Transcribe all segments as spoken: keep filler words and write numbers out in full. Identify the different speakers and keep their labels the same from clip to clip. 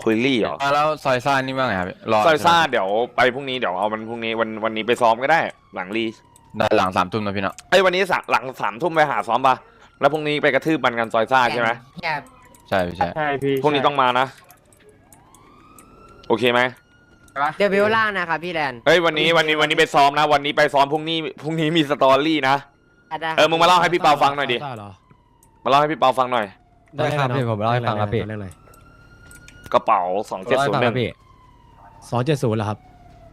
Speaker 1: คุยรี่เหรอ
Speaker 2: แล้วซอยซ่านี่ว่าไงครับรอ
Speaker 1: ซอยซ่าเดี๋ยวไปพรุ่งนี้เดี๋ยวเอามันพรุ่งนี้วันวันนี้ไปซ้อมก็ได้หลังรี
Speaker 2: ได้หลังสามทุ่มนะพี่เนาะ
Speaker 1: ไอ้ยวันนี้หลังสามทุ่มไปหาซ้อมปะแล้วพรุ่งนี้ไปกระทืบมันกันซอยซ่าใช่ไหม
Speaker 2: ใช่พี่ใช่
Speaker 3: ใช่พี่
Speaker 1: พรุ่งนี้ต้องมานะโอเคไหม
Speaker 4: เดี๋ยวเบลล่างนะครับพี่แลน
Speaker 1: เฮ้ยวันนี้วันนี้วันนี้ไปซ้อมนะ วันนี้ไปซ้อมพรุ่งนี้พรุ่งนี้มีสตอรี่นะเออมึงมาเล่าให้พี่เปาฟังหน่อยดิมาเล่าให้พี่เปาฟังหน่อย
Speaker 5: ได้ครับพี่ผมเล่าให้ฟังครับพี่
Speaker 1: กระเป๋าสองเจ็ดศูนย์หนึ่ง
Speaker 5: สองเจ็ดศูนย์เหรอครับ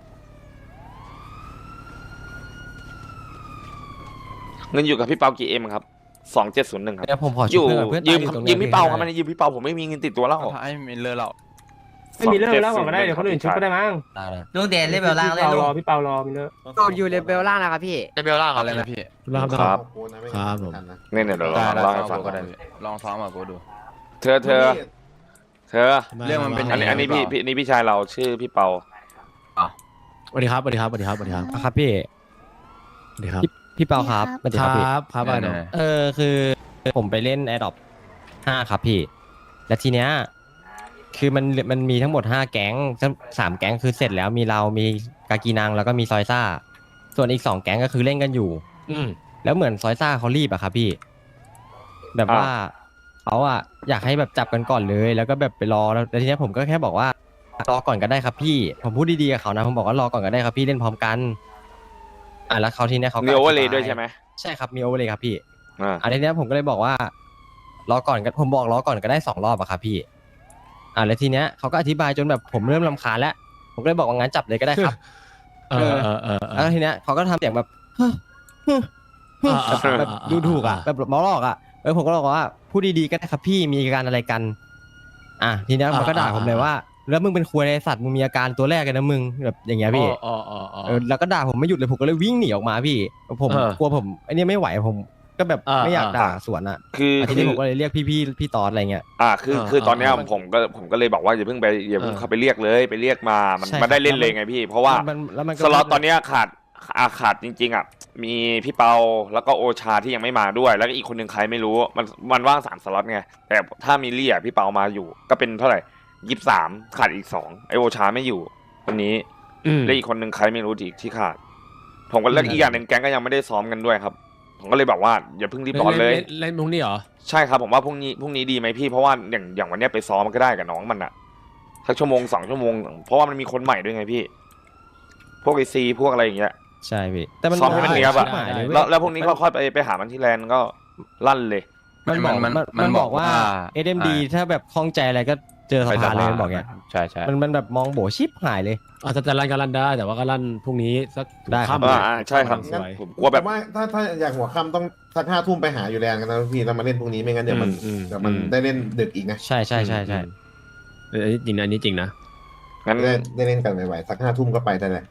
Speaker 1: เงินอยู่กับพี่เปากี่เอ็มครับสองเจ็ดศูนย์หนึ่งครับ
Speaker 5: เดี๋ยวผมขอ
Speaker 1: อ
Speaker 5: ช่
Speaker 1: ยู่
Speaker 5: วยเพื่อน
Speaker 1: ยืม
Speaker 5: ตายอตรง
Speaker 1: ยื
Speaker 5: นี้
Speaker 1: มพี่เปาครับมันยืมพี่เปาผมไม่มีเงินติดตัวแล้ว
Speaker 2: ถ้าไอ้มิลเลอร์เรา
Speaker 3: ไม่มีเลิกแล้วก่อนก็ได้เดี๋ยวคนอื่นชุบก็ได้มั้ง
Speaker 5: ได้เลย
Speaker 6: ลุงเดชเล่นเบลล่าง
Speaker 3: พี่
Speaker 6: เล่น
Speaker 3: เปา
Speaker 6: ลุ
Speaker 3: รง อพี่เปารอมีเลิก
Speaker 4: โดนอยู่เลเบลล่างนะครับพี่
Speaker 2: ได้เบลล่าอะไรนะพี่
Speaker 5: ครับ
Speaker 1: ครับ
Speaker 5: ครับผม
Speaker 1: เนี่ยเดี๋ยว
Speaker 2: ได้
Speaker 1: เรา
Speaker 2: ได้
Speaker 1: เล่าให้
Speaker 2: ซ้
Speaker 1: ฟั
Speaker 2: อง มก็ได้พี่ลองซ้อมกับกูดู
Speaker 1: เธอเธอเธอ
Speaker 2: เรื่องมันเป็น
Speaker 1: อันนี้อันนี้พี่พี่นี่พี่ชายเราชื่อพี่เปา
Speaker 5: สวัสดีครับสวัสดีครับสวัสดีครับสวัสดีครับ
Speaker 7: ครับพี่
Speaker 5: สวัสดีครับ
Speaker 7: พี่พี่เปาครับสวัสดี
Speaker 5: ค
Speaker 7: ครับพี่
Speaker 5: รับครับอะไรเนาะ
Speaker 7: เออคือผมไปเล่น a อ o p ห้าครับพี่ และทีเนี้ยคือมันมันมีทั้งหมดห้าแก๊งสามแก๊งคือเสร็จแล้วมีเรามีกากีนังแล้วก็มีซอยซ่า ส่วนอีกสองแก๊งก็คือเล่นกันอยู่
Speaker 5: อืม
Speaker 7: แล้วเหมือนซอยซ่าเขารีบอะครับพี่ แบบว่าเขาอะอยากให้แบบจับกันก่อนเลย แล้วก็แบบไปรอแล้วทีเนี้ยผมก็แค่บอกว่ารอก่อนก็ได้ครับพี่ ผมพูดดีๆกับเขานะผมบอกว่ารอก่อนก็ได้ครับพี่เล่นพร้อมกันอ่ะแล้วเขาทีเนี้ยเขาก็
Speaker 1: มีโอเวอร์เล
Speaker 7: ธิ
Speaker 1: ย์
Speaker 7: บา
Speaker 1: ด้วยใช่ไหม
Speaker 7: ใช่ครับมีโอเวอร์เลยครับพี่
Speaker 1: อ่า
Speaker 7: อันนี้เนี้ยผมก็เลยบอกว่ารอก่อนก็ผมบอกรอก่อนก็ได้สองรอบอะครับพี่ อ่าแล้วทีเนี้ยเขาก็อธิบายจนแบบผมเริ่มรำคาญแล้ว ผมก็เลยบอกว่างั้นจับเลยก็ได้ครับ
Speaker 5: เออเออเออเอ
Speaker 7: แล้ว
Speaker 5: อ
Speaker 7: ทีเนี้ยเขาก็ทำเสียงแบบฮึ่มฮึ่มฮึ่ม
Speaker 5: อ่าอ่า
Speaker 7: แบบ
Speaker 5: อ่า
Speaker 7: ดูถูกอ่ะแบบมอลอกอ่ะเออผมก็บอกว่าพูดดีๆก็ได้ครับพี่มีอาการอะไรกัน อ่ะทีเนี้ยมันก็ด่าผมเลยว่า แล้วมึงเป็นควยในสัตว์มึงมีอาการตัวแรกกันนะมึงแบบอย่างเงี้ยพี่
Speaker 5: อ๋ออ๋ออ๋อ
Speaker 7: เออแล้วก็ด่าผมไม่หยุดเลยผมก็เลยวิ่งหนีออกมาพี่ผม
Speaker 5: เออก
Speaker 7: ลัวผมไอ้นี่ไม่ไหวผมก็แบบ
Speaker 5: อ่า
Speaker 7: ไม่อยาก
Speaker 5: อ่า
Speaker 7: ด่าสวนอ่ะ
Speaker 1: คือ
Speaker 7: อ่ะที
Speaker 1: คื
Speaker 7: นี้
Speaker 1: อ
Speaker 7: ผมก็เลยเรียกพี่พี่พี่ตอดอะไรเงี้ย
Speaker 1: อ่าคือ
Speaker 5: อ่า
Speaker 1: คือตอนเนี้ย
Speaker 5: อ่า
Speaker 1: ผมก็ผมก็เลยบอกว่าอย่าเพิ่งไปอย่าเพิ่ง
Speaker 5: เออ
Speaker 1: เข้าไปเรียกเลยไปเรียกมามัน
Speaker 7: ใช่
Speaker 1: มาได้เล่น
Speaker 7: ครับ
Speaker 1: เลยไงพี่ เพราะว่า
Speaker 7: มันแล้วมันก็
Speaker 1: สล็อตตอนเนี้ยขาดอาขาดจริงๆอ่ะมีพี่เปาแล้วก็โอชาที่ยังไม่มาด้วย แล้วก็อีกคนหนึ่งใครไม่รู้มันมันว่างสามสล็อตไงแต่ถ้ามีเลี่ยพี่เปามาอยู่ ก็เป็นเท่าไหร่ยี่สิบสามขาดอีกสองไอโอชาไม่อยู่คนนี้
Speaker 5: อืม
Speaker 1: และอีกคนหนึ่งใครไม่รู้อีกที่ขาด ผมก็แล้วอีกอย่างหนึ่งแก๊งก็ยังไม่ได้ซ้อมกันด้วยครับ ผมก็เลยบอกว่าอย่าเพิ่งรีบร้อนเลย
Speaker 5: เล่นพรุ่งนี้เหรอ
Speaker 1: ใช่ครับผมว่าพรุ่งนี้พรุ่งนี้ดีไหมพี่เพราะว่าอย่างอย่างวันเนี้ยไปซ้อมก็ได้กับน้องมันอะสักชั่วโมงสองชั่วโมงเพราะว่ามันมีคนใหม่ด้วยไงพี่ พวกไอซีพวกอะไรอย่างเงี้ย
Speaker 7: ใช่พี่แต่มัน
Speaker 1: ซ้อมให้มันเนียบอะ
Speaker 7: ชิหายเลยเย
Speaker 1: แล้วแล้วพรุ่งนี้ก็ค่อยไปไปหามันที่แลนด์ก็ลั่นเลย
Speaker 7: มันบอก
Speaker 2: มัน
Speaker 7: มัน
Speaker 2: มัน
Speaker 7: มันบอกว่า
Speaker 2: บอกว่า
Speaker 7: เอ็มดีถ้าแบบคล่องใจอะไรก็เจอสภาเลยมันบอกเงี้ย
Speaker 2: ใช่ใช่
Speaker 7: มันมันแบบมองโบชิบหายเลย
Speaker 5: อาจจะจะรันก็รันได้แต่ว่าก็รันพรุ่งนี้สัก
Speaker 7: ได้ครับ
Speaker 5: ค่ำ
Speaker 1: อ่าอ่าใช่ครับ
Speaker 5: สวย
Speaker 1: ผมกลัวแบบ
Speaker 8: ว่าถ้าถ้าอยากหัวค่ำต้องสักห้าทุ่มไปหาอยู่แลนด์กันนะพี่แล้วมาเล่นพรุ่งนี้ไม่งั้นเดี๋ยวมัน
Speaker 5: อืม
Speaker 8: เดี๋ยวมัน
Speaker 5: อืม
Speaker 8: ได้เล่นดึกอีกนะ
Speaker 7: ใช่ใช่ใช่ใช่
Speaker 5: เอออันนี้จริงนะอันนี้จริงนะ
Speaker 1: งั้น
Speaker 8: ได้ได้เล่นกันไหวๆสักห้าทุ่มก็ไปได้เลย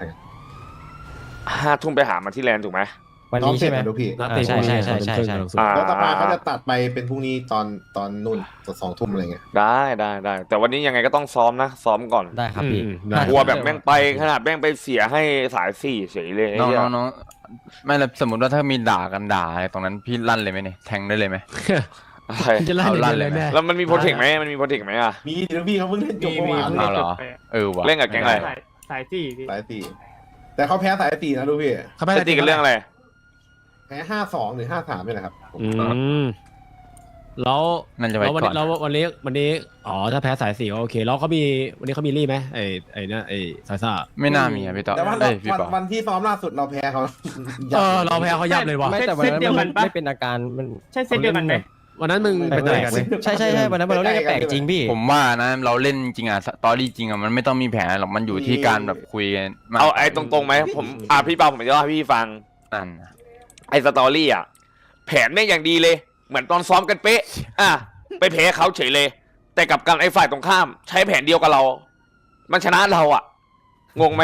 Speaker 1: ห้าทุ่มไปหามันที่แลนด์ถูกไหม
Speaker 7: วันนี้ใช่ไหม
Speaker 8: ดูพี่
Speaker 5: นัด
Speaker 7: อ่า
Speaker 5: เตะ
Speaker 7: ใช่
Speaker 5: พรุ่งนี้
Speaker 7: ใช่ใช่ใช่
Speaker 5: ตอน
Speaker 7: ใช่
Speaker 5: ครึ่ง
Speaker 1: อ่า
Speaker 8: แล้วตาปาเขาจะตัดไปเป็นพรุ่งนี้ตอนตอนนู่นสองทุ่มอะไรเงี้ย
Speaker 1: ได้ได้ได้แต่วันนี้ยังไงก็ต้องซ้อมนะ ซ้อมก่อน
Speaker 7: ได้ครับพี่
Speaker 5: อืมได้
Speaker 1: กลัวแบบแม่งไปขนาดแม่งไปเสียให้สายสี่เฉยเลยไอ้
Speaker 2: น้อง
Speaker 1: เหี้ย
Speaker 2: น้องน้องไม่แล้วสมมติว่าถ้ามีด่ากันด่าอะไรตรงนั้นพี่ลั่นเลยไหมเนี่ยแทงได้เลยไหม
Speaker 1: อะไร
Speaker 5: จะลั่น
Speaker 2: เอาลั่
Speaker 5: อย่าง
Speaker 2: น
Speaker 5: เดียว
Speaker 2: เลยไหม
Speaker 5: เลยแม่
Speaker 1: แล้วมันมีโปรเทคไหมมันมีโปรเทคไหมอะ
Speaker 8: มีเดี๋ยวพี่เขาเพิ่งเล่นจบ
Speaker 3: มี
Speaker 8: เมื่อ
Speaker 3: มี
Speaker 8: วาน
Speaker 3: เพิ่ง
Speaker 2: เอาเหรอ
Speaker 3: จบไป
Speaker 2: เออว่ะ
Speaker 1: เล่นกับแก๊งอะไร
Speaker 3: สายสายสี่พี่
Speaker 8: สายสี่แต่เขาแพ้สายสี่นะดูพี่
Speaker 5: เขาไม่
Speaker 1: จะตีกันเรื่องอะไร
Speaker 8: แพ้ห้าสองหรือห้าสามนี่แหละครับ
Speaker 5: อืมแล้ว
Speaker 2: นั่นจะไว้
Speaker 5: แล้ววัน
Speaker 2: ก่อ
Speaker 5: นี้
Speaker 2: น
Speaker 5: แล้ววันนี้วันนี้อ๋อถ้าแพ้สายสี่ก็โอเคแล้วเขามีวันนี้เขามีรี่ไหมไอ้ไอ้เนี่ยไอ้ซาซ่า
Speaker 2: ไม่น่ามีอะพี่ต่อ
Speaker 8: แต่ว่า
Speaker 2: เอ้ยพี่
Speaker 8: วัน
Speaker 2: ปอ
Speaker 8: วันที่ซ้อมล่าสุดเราแพ้เขา
Speaker 5: เออเราแพ้เขายับเลยว่ะ
Speaker 7: ไม่แต่วันนั้นมันไม่เป็นอาการมัน
Speaker 3: ใช่เซตเดียวกันไหม
Speaker 5: วันนั้นมึงเป็นอะไรกัน
Speaker 7: ใช่ใช่ใช่วันนั้นเราเล่นกันแปลกจริงพี่
Speaker 2: ผมว่านะเราเล่นจริงอะตอรี่จริงอะมันไม่ต้องมีแผนหรอกมันอยู่ที่การแบบคุยกันมก
Speaker 1: เอาไอ้ตรงๆไหมผมอ่ะพี่เปาผมจะเล่าให้พี่ฟัง
Speaker 2: นั่นน่ะ
Speaker 1: ไอ้สตอรี่อ่ะแผนไม่งอย่างดีเลย เหมือนตอนซ้อมกันเป๊ะ อ่ะไปแพ้เขาเฉยเลย แต่กลับกันไอ้ฝ่ายตรงข้าม ใช้แผนเดียวกับเรา มันชนะเราอ่ะ งงไหม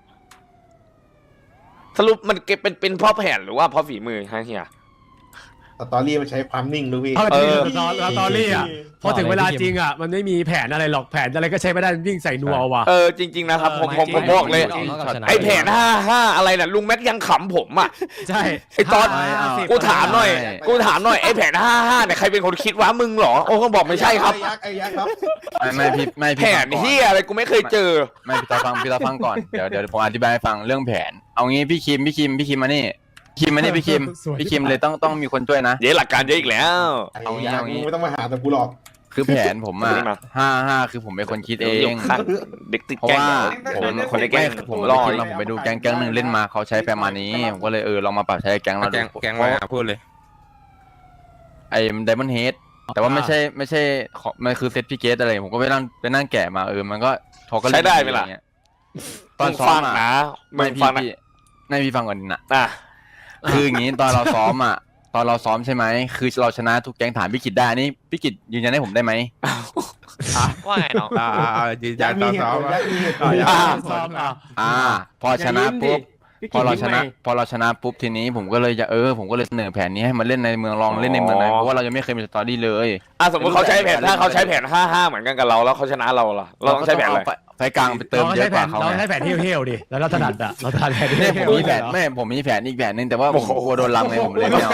Speaker 1: สรุปมันเก็บเป็นเป็นเพราะแผนหรือว่าเพราะฝีมือฮะเฮีย
Speaker 8: สตอรี่มันใช้ความนิ่งดูพี่
Speaker 5: เอาจริง
Speaker 1: เออ
Speaker 5: สตอสตอรี่อ่ะพอถึงเวลาจริงอ่ะมันไม่มีแผนอะไรหรอกแผนอะไรก็ใช้ไม่ได้วิ่งใส่นัวว่ะ
Speaker 1: เออจริง ๆนะครับผมผมผมบอกเลย ไอ้แผนห้าห้าอะไรน่ะลุงแม็กยังขำผมอ่ะ
Speaker 5: ใช่
Speaker 1: ไอ้ตอน
Speaker 5: ห้าสิบ
Speaker 1: กูถามหน่อย กูถามหน่อยไอ้แผนห้าห้าเนี่ยใครเป็นคนคิดวะมึงเหรอโอ้ก็บอกไม่ใช่ครับ
Speaker 8: ไอ้ยักษ์ไอ้ยักษ์ครับ
Speaker 2: ไม่ไม่พี่ไม่
Speaker 1: แผ
Speaker 2: พี่
Speaker 1: น
Speaker 2: ฟังก่อน
Speaker 1: เฮียอะไรกูไม่เคยเจอ
Speaker 2: ไม่พี่ตาฟังพี่ตาฟังก่อนเดี๋ยวเดี๋ยวผมอธิบายให้ฟังเรื่องแผน เอางี้พี่คิมพี่คิมพี่คิมมานี่คิมมานี่พี่คิม
Speaker 5: สวย
Speaker 2: พี่คิมเลยต้องต้องมีคนช่วยนะ
Speaker 1: เดี๋ยวหลักการเยอะอีกแล้ว
Speaker 8: ไอ้
Speaker 2: เอางี้
Speaker 8: ยักษ์
Speaker 2: เอางี้
Speaker 8: มึงไม่ต้องมาหาแต่กูหรอก
Speaker 2: คือแผนผมอ่ะ
Speaker 1: เอานี่มา
Speaker 2: ห้าห้าคือผมเป็นคนคิดเอ
Speaker 1: ดี๋ยว
Speaker 2: ง
Speaker 1: ข้างเด็กติด
Speaker 2: เพราะ
Speaker 1: แกล้ง
Speaker 2: ว่า
Speaker 1: ผ
Speaker 2: ผม ม
Speaker 1: คนในแกล้ง
Speaker 2: ผ
Speaker 1: ผม ม
Speaker 2: ร
Speaker 1: ร
Speaker 2: อ
Speaker 1: อ
Speaker 2: ดมาผมไปดูแก๊งแก๊งหนึ่งเล่นมาเขาใช้ประมาณนี้ผมก็เลยเออลองมาปรับใช้แก๊งเราดู
Speaker 6: แกงแกงมาพูดเลย
Speaker 2: ไอ้ไดมอนด์เฮดแต่ว่าไม่ใช่ไม่ใช่ของมันคือเซตพิเกตอะไรผมก็ไปนั่งไปนั่งแกะมาเออมันก็ทอก็
Speaker 1: ใช้ได้ไหมล่ะ
Speaker 2: ตอนซ้อ
Speaker 1: ฟั
Speaker 2: ม
Speaker 1: ง
Speaker 2: อะ
Speaker 1: นะมึ
Speaker 2: ไม่
Speaker 1: ง
Speaker 2: พี่
Speaker 1: ฟังนะ
Speaker 2: พี่ไม่พี่ฟังก่อนนะ
Speaker 1: อ่ะ
Speaker 2: คืออย่างนี้ตอนเราซ้อมอ่ะ ตอนเราซ้อมใช่ไหมคือเราชนะทุกแก๊งถามพี่กิตได้อันนี่พี่กิตยืนยันให้ผมได้ไหม
Speaker 6: ว่าไงน้อง
Speaker 9: อ่าอ่ายืนยั
Speaker 8: ยั
Speaker 9: น
Speaker 8: กษ์
Speaker 9: ต่
Speaker 8: มี
Speaker 9: อ
Speaker 8: เหตุ
Speaker 9: ซ้อ
Speaker 8: ผม ลยักษ์มีเหตุผล
Speaker 1: อ่า
Speaker 5: ซ้อมอ่ะ
Speaker 2: อ่า พอชนะปุ๊บ
Speaker 3: พี่
Speaker 2: พอเราชนะ
Speaker 3: กินยิ้ม
Speaker 2: พอเราชนะปุ๊บทีนี้ผมก็เลยจะเออผมก็เลยเสนอแผนนี้ให้มาเล่นในเมืองลองเล่นในเมืองไหนเพราะว่าเรายังไม่เคยมีสตอรี่เลย
Speaker 1: อ่ะสมมติเขาใช้แผนถ้าเขาใช้แผนห้าห้าเหมือนกันกับเราแล้วเขาชนะเราล่ะเราต้องใช้แผนอะไร
Speaker 2: เาก็ต้งเอาไฟกลางไปเติม
Speaker 5: เราก็
Speaker 2: เย
Speaker 5: ใช้
Speaker 2: อะ
Speaker 5: แผ
Speaker 2: กว่าน เขา
Speaker 5: เรา
Speaker 2: ไง
Speaker 5: ใช้แผนเที่ยวๆดิแล้วเราถนัดอ่ะเราถนัดแผน
Speaker 2: เนี่ย
Speaker 5: เที่
Speaker 2: ผ
Speaker 5: ยว
Speaker 2: มมีแผน
Speaker 5: ๆ
Speaker 2: ไม่ผมมีแผนอีกแผนหนึ่งแต่ว่าผมกลัวโดนลังเลยผมเลยไม่เอา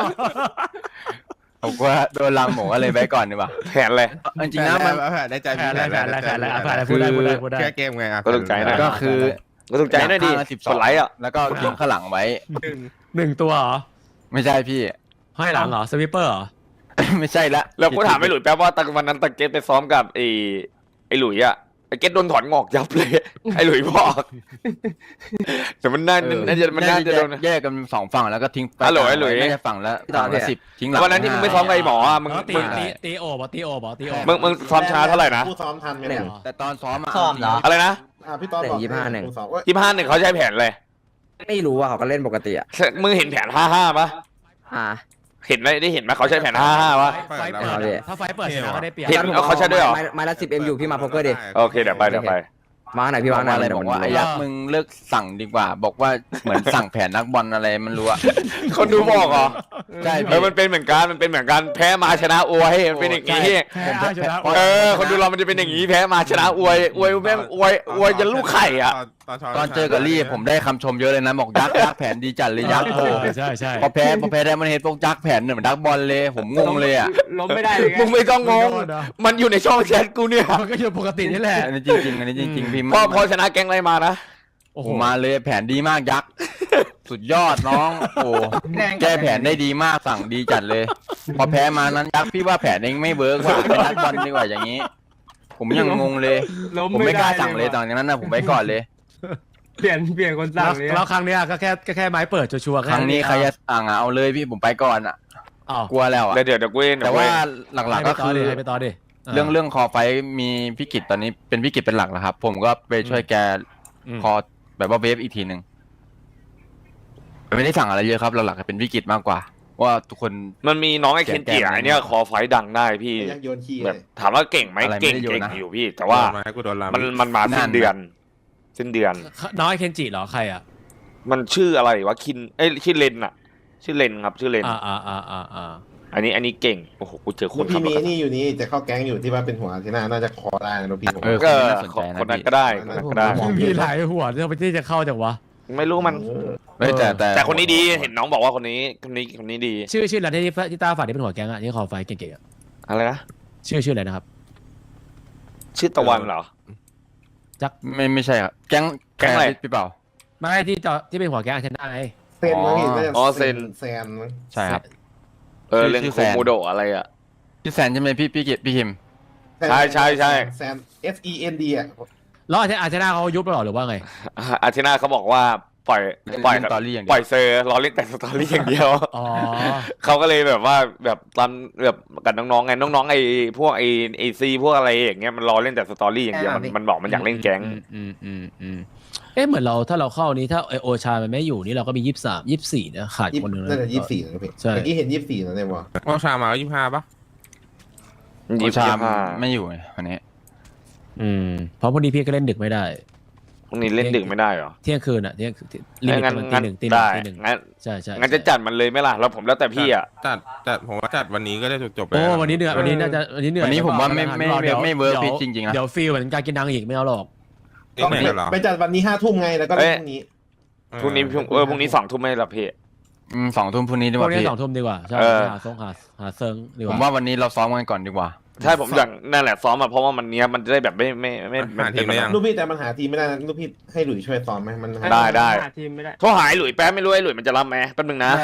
Speaker 2: ผมกลัวโดนลังผมก็เลยไว้ก่อนดีกว่า
Speaker 1: แผนอะไร
Speaker 2: จริงๆนะมัน
Speaker 9: แผนได้ใจ
Speaker 5: แผนอะไรแผนอะไรแผนอะไรอ่ะแผนอะไร
Speaker 2: คือ
Speaker 5: พูดได้พูดได้พูดได้
Speaker 9: แค่เกมไงอ่ะ
Speaker 1: ก็ต้องใจหน่อย
Speaker 2: ก็คือ
Speaker 1: ก็ต้องใจหน่อยดิ
Speaker 2: ข้างละสิบส
Speaker 1: ก
Speaker 2: อง
Speaker 1: ดไลค์อ่ะ
Speaker 2: แล้วก็ทิ้งข้างหลังไว้
Speaker 5: หนึ่งตัวเหรอ
Speaker 2: ไม่ใช่พี่
Speaker 5: ให้หลังเหรอสวิปเปอร์เหรอ
Speaker 2: ไม่ใช่ละ
Speaker 1: แล้วกูถามไอ้หลุยแป๊บว่าตอนวันนั้นตะเก็ตไปซ้อมกับไอ้ไอ้หลุยอ่ะไอ้เก็ตโดนถอนงอกยับเลย ไอ้หลุยบอกแต่มันน่า
Speaker 2: เออ
Speaker 1: น่าจะมันน่าจะโดน
Speaker 2: แยกกันสองฝั่งแล้วก็ทิ้งไป
Speaker 1: ฮัลโหลไอ้หลุย
Speaker 2: น่าจะฝั่งละฝั่งละสิบทิ้งหลัง
Speaker 1: วันนั้นที่มึงไม่ซ้อมกับไอ้หมออ่ะมึง
Speaker 5: แล้วตี
Speaker 1: มึง
Speaker 5: ตีตีโอบอตีโอบอตีโอ
Speaker 1: มึงมึงซ้อมช้าเท่าไหร่นะ
Speaker 8: ผู้ซ้อมทันไหมเนี่ย
Speaker 2: แต่ตอนซ้อมอะ
Speaker 10: ซ้อมเหรอ
Speaker 1: อะไรนะ
Speaker 8: อ่าพี่ต้อนบอก
Speaker 10: ยี่สิบห้าหนึ่ง
Speaker 8: ผู้ซ้อมเว้ย
Speaker 1: ยี่ห้าหนึ่งเขาใช้แผนเลย
Speaker 10: ไม่รู้ว่าเขาก็เล่นปกติอ่ะ
Speaker 1: มึงเห็นแผนห้าห้าปะ
Speaker 10: อ่า
Speaker 1: เห็นไหมได้เห็นไหมเขาใช้แผนห้าห้าปะ
Speaker 5: ไฟเปิดอะถ้าไฟเปิดชนะก็ได้เปรียบ
Speaker 1: เห็นเอาเขาใช้ด้วยเหรอ
Speaker 10: ไม้ไม้ละสิบเอ็มอยู่พี่มาโพกเกอร์ดิ
Speaker 1: โอเคเดี๋ยวไปเดี๋ยวไป
Speaker 10: มาไหนพี่
Speaker 2: บ
Speaker 10: มา
Speaker 2: อก
Speaker 10: ไหน
Speaker 2: ว่าอะไร
Speaker 10: เดี๋
Speaker 2: บ
Speaker 10: ยว
Speaker 2: อก
Speaker 10: มัน
Speaker 2: ว่าไอ้ยักษ์มึงเลิกสั่งดีกว่า บอกว่าเหมือนสั่งแผนนักบอลอะไรมันรู้อะ
Speaker 1: คนดูบอกเหรอ
Speaker 2: ใช่
Speaker 1: เอ
Speaker 2: พี่
Speaker 1: อมันเป็นเหมือนกันมันเป็นเหมือนกันแพ้มาชนะอวยมันเป็นอย่างนี้
Speaker 5: แพ้เอาชนะ
Speaker 1: เออคนดูเรามันจะเป็นอย่างนี้แพ้มาชนะอวยอวยแม่งอวยอวยจะลูกไข่อ่ะ
Speaker 2: ตอนเจอกับลี่ผมได้คำชมเยอะเลยนะบอกยักษ์ยักษ์แผนดีจัดเลยยักษ์โอ้
Speaker 5: ใช่ใช่
Speaker 2: พอแพ้พอแพ้ได้มันเห็นพวกยักษ์แผนเหมือนดักบอลเลยผมงงเลยอะ
Speaker 3: ล้มไม่ได้เลยไง
Speaker 1: มึงไม่ต้องงง มันอยู่ในช่องแชทกูเนี่ย
Speaker 5: มันก็อยู่ปกตินี่แหละ
Speaker 2: อันนี้จริงๆอันนี้จริงๆพี่
Speaker 1: พอพอชนะแก๊งอะไรมานะ
Speaker 2: โอ้โหมาเลยแผนดีมากยักษ์ สุดยอดน้องโอ้แก้แผนได้ดีมากสั่งดีจัดเลย พอแพ้มานั้นยักษ์พี่ว่าแผนเองไม่เวิร์กว่าเป็นนักบอลดีกว่าอย่างนี้ ผมยังงงเลย
Speaker 3: ล้ม
Speaker 2: ผมไม่กล้า
Speaker 3: ด้
Speaker 2: สั่งเลยตอนนั้นนะผมไปก่อนเลย
Speaker 3: เปลี่ยนเปลี่ยนคนสั่งเลย
Speaker 5: แล้วครั้งเนี้ยก็แค่ก็แค่ไม้เปิดชัวร์ๆ
Speaker 2: ครั้งนี้ใครจะสั่งอะเอาเลยพี่ผมไปก่อนอะ
Speaker 5: อ้าว
Speaker 2: กลัวแล้วอะ
Speaker 1: เดี๋ยวเดี๋ยวเดี๋ยวกูเอง
Speaker 2: แต่ว่าหลักๆก็คือ
Speaker 5: ให้ไปต่อดิ
Speaker 2: เรื่องเรื่องคอไฟมีพี่กิจตอนนี้เป็นพี่กิจเป็นหลักแล้วครับ ผมก็ไปช่วยแกคอแบบว่าเวฟอีกทีหนึ่งไม่ได้สั่งอะไรเยอะครับหลักๆเป็นพี่กิจมากกว่า ว่าทุกคน
Speaker 1: มันมีน้องไอ้เคนจิไอเนี่ยคอไฟดังได้พี่
Speaker 8: ไอ้ยักษ์โยนขี้
Speaker 1: แบ
Speaker 8: เล
Speaker 1: บ
Speaker 8: ย
Speaker 1: ถามว่าเก่งไหม
Speaker 2: อะไรไม่
Speaker 1: เก่ง
Speaker 2: ได้โยน
Speaker 1: เก่ง
Speaker 2: นะ
Speaker 1: อยู่พี่ แต่ว่า
Speaker 9: มาให้กูโดนลำ
Speaker 1: มันมันมาสิ้นเดือนสิ้นเดือน
Speaker 5: น้องไอเคนจิเหรอใครอ่ะ
Speaker 1: มันชื่ออะไรวะคินเอ้ยชื่อเลนอะชื่อเลนครับชื่อเลน
Speaker 5: อ่าอ่าอ่าอ่าอ่า
Speaker 1: อันนี้อันนี้เก่งโอ้โหกูเจอค
Speaker 8: คุ
Speaker 1: น
Speaker 8: ณพี่
Speaker 1: ขับร
Speaker 8: มี
Speaker 1: ถ
Speaker 8: นี่อยู่นี่จะเข้าแก๊งอยู่ที่ว่าเป็นหัวที่น่าน่าจะคอได้นะพี่ผม
Speaker 2: เออ
Speaker 1: ก็
Speaker 2: น่าสนใจนะ
Speaker 1: คนนั้น
Speaker 2: พี่
Speaker 1: ก็ได้คนนั้นก็ได้
Speaker 5: มีหลายหัวที่ไปที่จะเข้าจากวะ
Speaker 1: ไม่รู้มัน
Speaker 2: เฮ้ยแต่แต่
Speaker 1: แต่คนนี้ดีเห็นน้องบอกว่าคนนี้คนนี้คนนี้ดี
Speaker 5: ชื่อชื่ออะไรที่ที่ตาฝาดที่เป็นหัวแก๊งอ่ะที่คอไฟเก่งๆอ่ะ
Speaker 1: อะไรนะ
Speaker 5: ชื่อชื่ออะไรนะครับ
Speaker 1: ชื่อตะวันเหรอ
Speaker 2: ไม่ไม่ใช่ครับแก๊ง
Speaker 1: แก๊งอะไร
Speaker 2: พี่เปล่า
Speaker 5: ไม่ที่จอที่เป็นหัวแก๊งอาชนะไง
Speaker 8: เซนมั้งพี่น่าจะ
Speaker 1: อ๋อเซน
Speaker 8: แซนมั้ง
Speaker 2: ใช่ครับ
Speaker 1: เออ
Speaker 2: ชื่อ
Speaker 1: เล่น
Speaker 2: ชื่อ
Speaker 1: โค
Speaker 2: แฟน
Speaker 1: โมโดะอะไรอะ
Speaker 2: พี่แซนใช่ไหมพี่พี่กิจพี่คิม
Speaker 1: ใช่ใช่ใช่
Speaker 8: แซน S E N D อ่ะ
Speaker 5: แล้วอาชนะอาชนะเขายุบไปหรอหรือว่าไง
Speaker 1: อาทิตย์หน้าเขาบอกว่าปล่อยปล่อย
Speaker 2: เล่นสตอรี่อย่างเดี
Speaker 1: ปล่
Speaker 2: ย
Speaker 1: อยว เซอร์รอเล่นแต่สตอรี่อย่างเดียว
Speaker 5: อ๋อ
Speaker 1: เขาก็เลยแบบว่าแบบตอนแบบกับน้องๆไงน้องๆไอ้พวกไอ้ไอซีพวกอะไรอย่างเงี้ยมันรอเล่นแต่สตอรี่อย่างเดียวมันมันบอกมันอยากเล่นแก๊ง
Speaker 5: อืมอืมอืมเอ๊ะเหมือนเราถ้าเราเข้านี้ถ้าไอโอชามันไม่อยู่นี่เราก็มียี่สิบสามยี่สิบสี่นะขาด
Speaker 8: ยี่
Speaker 5: คนหนึ่ง
Speaker 8: น่าจะยี่สิบสี่นะพี่
Speaker 5: ใช่
Speaker 8: เมื่อกี้เห็นยี่สิบสี่นะเนี่ยวะ
Speaker 9: ว่าชามายี่สิบห้าปะ
Speaker 1: ยี่
Speaker 2: โอ
Speaker 1: สิบ
Speaker 2: ชาม
Speaker 1: ห้า
Speaker 2: ไม่อยู่ไงวันนี้
Speaker 5: อืมเพราะพอดีพี่ก็เล่นดึกไม่ได้
Speaker 1: พรุ่งนี้เล่นดึกไม่ได้เหรอ
Speaker 5: เที่ยงคืนอ่ะเที่ยงลิมิต
Speaker 1: งั้น
Speaker 5: มันตี
Speaker 1: งั้น
Speaker 5: หนึ่งตีหนึ่
Speaker 1: ได้
Speaker 5: งตีหนึ่ง
Speaker 1: งั้น
Speaker 5: ใช่ใช่
Speaker 1: งั้นจะจัดมันเลยไหมล่ะแล้วผมแล้วแต่พี่อ่ะ
Speaker 6: จัดจัดผมว่าจัดวันนี้ก็ได้จบๆไป
Speaker 5: โอ้
Speaker 6: แล้ว
Speaker 5: วันนี้เหนื่อยวันนี้น่าจะวันนี้เหนื่อย
Speaker 2: วันนี้ผมว่าไม่ไม่
Speaker 5: ดี๋ยว
Speaker 2: ไม่เวิร์ก
Speaker 5: ดี๋ยว
Speaker 2: พิชจริงๆนะ
Speaker 5: เดี๋ยวฟีลเหมือนการกินนังอีกไม่เอาหรอก
Speaker 6: เอ๊ะไม่เหรอ
Speaker 8: ไปจัดวันนี้ห้าทุ่มไงแล้วก็เล่นพรุ่งนี้
Speaker 1: พรุ่งนี้พรุ่งเออพรุ่งนี้สองทุ่มไม่หลับพี่
Speaker 2: อืมสองทุ่มพรุ่งนี้ดี
Speaker 5: พ
Speaker 2: ก
Speaker 5: วก
Speaker 2: ว่า
Speaker 5: นี้
Speaker 2: พี่
Speaker 5: สองทุ่มดีกว่าใช่
Speaker 1: เออ
Speaker 5: หาซงหาหาเซิงดีก
Speaker 2: ผม
Speaker 5: ว่า
Speaker 2: ว่าวันนี้เราซ้อมกันก่อนดีกว่า
Speaker 1: ใช่ผมอย่างนั่นแหละซ้อมมาเพราะว่ามันเนี้ยมันจะได้แบบไม่ไม่ไม่
Speaker 6: หาทีมได้ยัง
Speaker 8: ลูกพี่แต่มันหาทีมไม่ได้นะลูกพี่ให้หลุยช่วยซ้อมไหมมันหา
Speaker 1: ได้ได้
Speaker 3: หาทีมไม่ได้
Speaker 1: โทรหายหลุยแป๊บไม่รู้ไอ้หลุยมันจะรับไหมแป๊บนึงนะ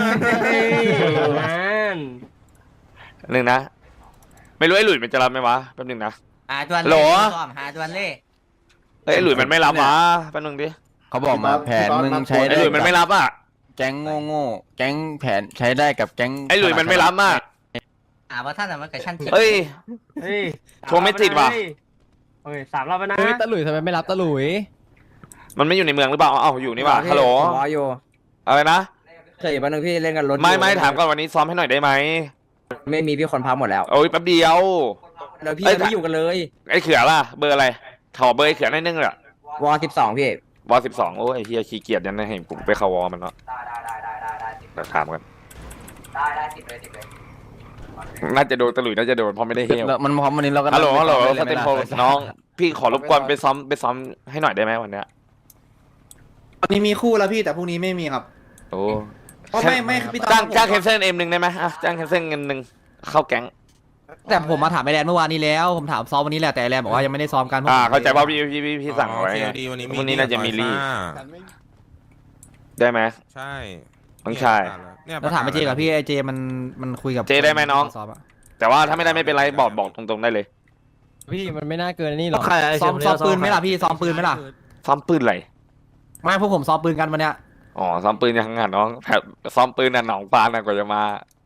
Speaker 3: นั่น
Speaker 1: หนึ่งนะ ไม่รู้ไอ้หลุยมันจะรับไหมวะแป๊บนึงนะ
Speaker 10: หาจวน
Speaker 1: โหล
Speaker 10: ซ้อมหาจวนเล่
Speaker 1: เอ้ยไอ้หลุยมันไม่รับวะแป๊บนึงดิ
Speaker 2: เขาบอกมาแผนมึงใช้
Speaker 1: ไอ้
Speaker 2: ได้
Speaker 1: หลุยมันไม่รับอ่ะ
Speaker 2: แก๊งโง่ๆแก๊งแผนใช้ได้กับแก๊ง
Speaker 1: ไอ้หลุยมันไม่รับอ่ะ
Speaker 10: หาว่าท่านอะมันกับชั้น
Speaker 1: เฮ้ย
Speaker 3: เฮ้ย
Speaker 1: โทรไม่ติดว่ะ
Speaker 3: โอเคสามรอบแล้วนะ
Speaker 7: เฮ้ยตะหลุยทำไมไม่รับตะหลุย
Speaker 1: มันไม่อยู่ในเมืองหรือเปล่าเอ้าอยู่นี่ว่ะฮัลโหล
Speaker 10: รออยู่
Speaker 1: อะไรนะ
Speaker 10: เคยอยู่บ้านนึงพี่เล่นกันรถ
Speaker 1: ไม่ไม่ถามก่อนวันนี้ซ้อมให้หน่อยได้ไหม
Speaker 10: ไม่มีพี่คนพักหมดแล้ว
Speaker 1: โอ้ยแป๊บเดียว
Speaker 10: แล้วพี่
Speaker 1: เอ้ย
Speaker 10: ไม่อยู่กันเลย
Speaker 1: ไอ้เขือล่ะเบอร์อะไรขอเบอร์ไอ้เขือหนิดนึงเหรอ
Speaker 10: วอสิบสองพี่
Speaker 1: วอสิบสองโอ้ยไอ้เฮียขี้เกียจยันนะให้ผมไปเข้าวอมันเนาะเดี๋ยวถามกัน
Speaker 10: ได้ได้สิบเลยสิบเลย
Speaker 1: น่าจะโดนตะหลุยน่าจะโดนเพราะไม่ได้เฮล
Speaker 2: แล้วมันพร้อมวันนี้เราก็
Speaker 1: ฮัลโหลฮัลโหล
Speaker 2: ได้
Speaker 1: ส
Speaker 2: ย
Speaker 1: เตน
Speaker 2: ไหม
Speaker 1: โพ
Speaker 2: ล่ะ
Speaker 1: น้อง พี่ขอรบกวนไปซ้อมไปซ้อมให้หน่อยได้ไหมวันเนี้ย
Speaker 9: วันนี้มีคู่แล้วพี่แต่พรุ่งนี้ไม่มีครับ
Speaker 1: โอ้
Speaker 9: เพราะไม่ไม่พี่
Speaker 1: จ้าง
Speaker 9: ผม
Speaker 1: จ้างแคมเซิลเอ็มหนึ่งได้ไหมอ่ะจ้างแคมเซิลเงินหนึ่งเข้าแก๊ง
Speaker 9: แต่ผมมาถามไอแลนด์เมื่อวานนี้แล้ว ผมถามซ้อมวันนี้แหละแต่ไอแลนด์บอกว่ายังไม่ได้ซ้อมกัน
Speaker 1: อ่าเข้าใจว่าพี่พี่พี่พี่สั่ง
Speaker 6: อ๋อ
Speaker 1: ไว้
Speaker 6: โอเค
Speaker 1: ไง
Speaker 6: ดีวันนี้
Speaker 1: พรุ่งนี้น่าจะมีลี่
Speaker 6: ซอยห้า
Speaker 1: ได้ไหม
Speaker 6: ใช่
Speaker 1: น้องชาย
Speaker 6: เนี่ย
Speaker 9: แล้วถามไอเจกับพี่ไอเจมันมันคุยกับ
Speaker 1: เจได้ไหมน้อง
Speaker 9: ซ้อมอะ
Speaker 1: แต่ว่าถ้าไม่ได้ไม่เป็นไรบอกบอกตรงๆได้เลย
Speaker 7: พี่มันไม่น่าเกินนี่หรอก
Speaker 9: ซ้อมซ้อมปืนไหมล่ะพี่ซ้อมปืนไหมล่ะ
Speaker 1: ซ้อมปืนอะไร
Speaker 9: ไม่พวกผมซ้อมปืนกันวันเนี้ย
Speaker 1: อ๋อซ้อมปืนยังไงน้องแบบซ้อมปืนน่ะหนองปลาน่ะกว่าจะมา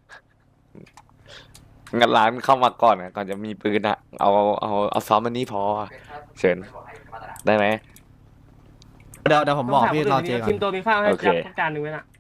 Speaker 1: งัดร้านเข้ามาก่อนน่ะก่อนจะมีปืนอ่ะเอาเอาเอาซ้อมมันนี้พอเชิญได้ไหม
Speaker 9: เดี๋ยวเดี๋ยวผมบอกพี่รอเจก่อ
Speaker 3: ทีม
Speaker 9: น
Speaker 3: ตัวมีข้าวให้
Speaker 1: โอเค
Speaker 3: จับจานหนึ่งไว้น่ะ